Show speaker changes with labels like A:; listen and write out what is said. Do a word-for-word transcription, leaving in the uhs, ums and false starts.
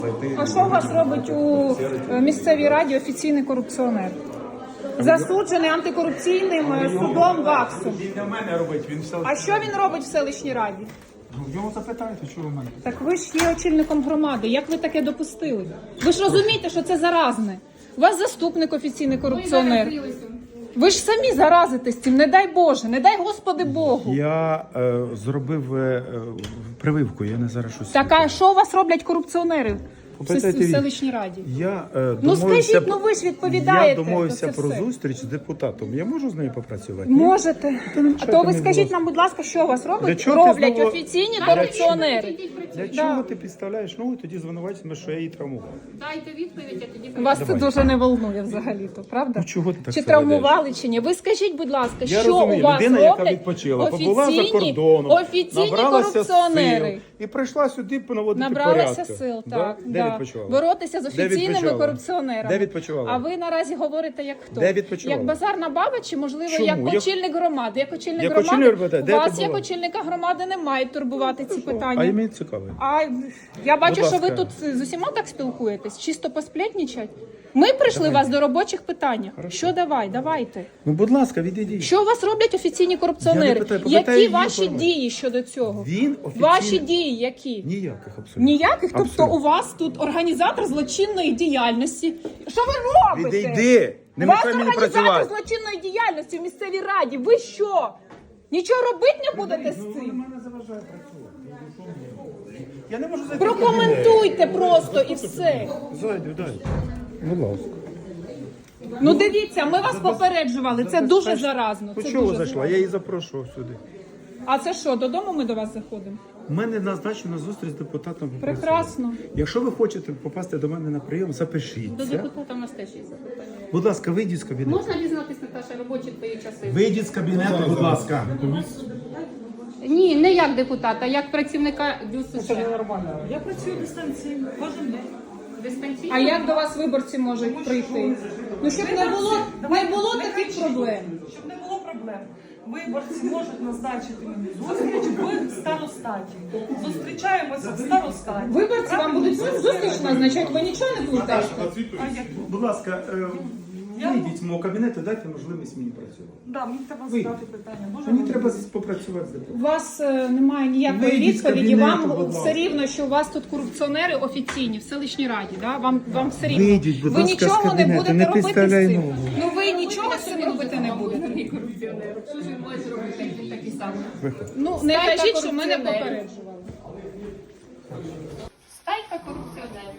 A: А що у вас робить у місцевій раді офіційний корупціонер? Засуджений антикорупційним судом ВАКСом.
B: Він не в мене робить, він все.
A: А що він робить в селищній раді?
B: Ну, його запитайте, що ви в мене.
A: Так ви ж є очільником громади. Як ви таке допустили? Ви ж розумієте, що це заразне. У вас заступник офіційний корупціонер. Ви ж самі заразитесь цим, не дай Боже, не дай Господи Богу.
B: Я е, зробив е, прививку, я не зараз щось.
A: Так, а що у вас роблять корупціонери в
B: Попитайте
A: сес- в
B: він.
A: селищній раді?
B: Я, е,
A: Ну
B: домовився,
A: скажіть, ну ви ж відповідаєте.
B: Я домовився
A: то це
B: про
A: все.
B: зустріч з депутатом. Я можу з нею попрацювати? Ні?
A: Можете.
B: То не
A: А
B: мішайте
A: то ви
B: мені, будь
A: скажіть
B: ласка.
A: нам, будь ласка, що у вас
B: Для
A: роблять?
B: чого ти
A: Роблять
B: знову-
A: офіційні
B: Для
A: корупціонери.
B: Для чого ти підставляєш ногу, тоді звинувачуєш, що я її травмував?
C: Дайте відповідь, а тоді
A: Вас це дуже не волнує взагалі-то, правда?
B: Ну, чого ти так
A: Чи
B: себе ведеш?
A: травмували, чи ні? Ви скажіть, будь ласка,
B: Я
A: що
B: розумію,
A: у вас
B: людина, яка
A: роблять
B: відпочила, побула за
A: офіційні,
B: кордоном,
A: офіційні
B: набралася
A: корупціонери?
B: сил і прийшла сюди наводити
A: Набралися
B: порядки.
A: сил,
B: Да?
A: так.
B: Де
A: да.
B: відпочивала?
A: Боротися з
B: Де
A: офіційними
B: відпочивала?
A: корупціонерами.
B: Де відпочивала?
A: А ви наразі говорите як хто?
B: Де відпочивала?
A: Як базарна баба чи, можливо,
B: Чому?
A: як
B: Як-
A: очільник громади? Як очільник
B: Як
A: громади,
B: очільник громади?
A: у
B: Де
A: вас
B: ти
A: як
B: була?
A: очільника громади не мають турбувати ці питання.
B: А і мені цікаво.
A: А я бачу,
B: Будь
A: що ви
B: ласка.
A: тут з усіма так спілкуєтесь, чисто посплетнічать. Ми прийшли вас до робочих питань. Що давай, давайте.
B: Ну, будь ласка, відійдіть.
A: Що у вас роблять офіційні корупціонери?
B: Я не питаю, попитаю
A: Які
B: її
A: ваші
B: форми.
A: дії щодо цього?
B: Він офіційний-
A: Ваші дії які?
B: Ніяких абсолютно.
A: Ніяких? Тобто
B: Абсолютно.
A: у вас тут організатор злочинної діяльності. Що ви робите?
B: Відійди! Не
A: У вас
B: мішай мені
A: організатор
B: працювати.
A: злочинної діяльності в місцевій раді. Ви що? Нічого робити не будете з цим?
B: Мене заважає працювати. Я не можу зайти.
A: Прокоментуйте просто і все.
B: Зайду, дай. Будь ласка.
A: Ну дивіться, ми вас попереджували. Це дуже заразно.
B: Ну,
A: Це
B: чого
A: дуже
B: зайшла?
A: заразно.
B: Я її запрошував сюди.
A: А це що, додому ми до вас заходимо?
B: У мене назначена зустріч з депутатом. попрацювати.
A: Прекрасно.
B: Якщо ви хочете попасти до мене на прийом, запишіться.
C: до депутата у нас теж є запитання.
B: Будь ласка, вийдіть з кабінету.
C: Можна дізнатися, Наташа, робочі твої часи?
B: Вийдіть з кабінету, будь ласка.
C: Ні, не як депутата, як працівника ДЮСШ.
D: Я працюю дистанційно кожен день.
C: Дистанційно?
A: А як до вас виборці можуть прийти? Ну щоб не було, не було таких проблем.
D: Щоб не було проблем. Виборці можуть назначити мені зустріч в старостаті. Зустрічаємося в старостаті.
A: Виборці вам будуть зустріч назначати, ви нічого не плутаєте.
D: А як?
B: Будь ласка, е, вийдіть з мого кабінету, дайте можливість мені працювати.
D: Да, мені треба
B: Ви.
D: задати питання. Може,
B: Мені
D: ви-
B: треба попрацювати з депутатом.
A: У вас е, немає ніякої
B: Вийдіть з
A: відповіді.
B: кабінету,
A: Вам
B: будь
A: все
B: ласка.
A: рівно, що у вас тут корупціонери офіційні в селищній раді. Да? Вам, вам все рівно.
B: Вийдіть, будь
A: ви
B: ласка, з
A: нічого не
B: кабінету,
A: будете
B: не
A: робити з
B: підставляй
A: цим.
B: ногу.
A: Ну ви нічого з цим робити не будете.
C: Другий корупціонер. Що ж він може зробити, як він такий самий?
B: Виходь.
A: Ну не
C: Стайка
A: кажіть, що мене
C: корупціонерів.
A: попереджували.
C: Стайка корупціонерів.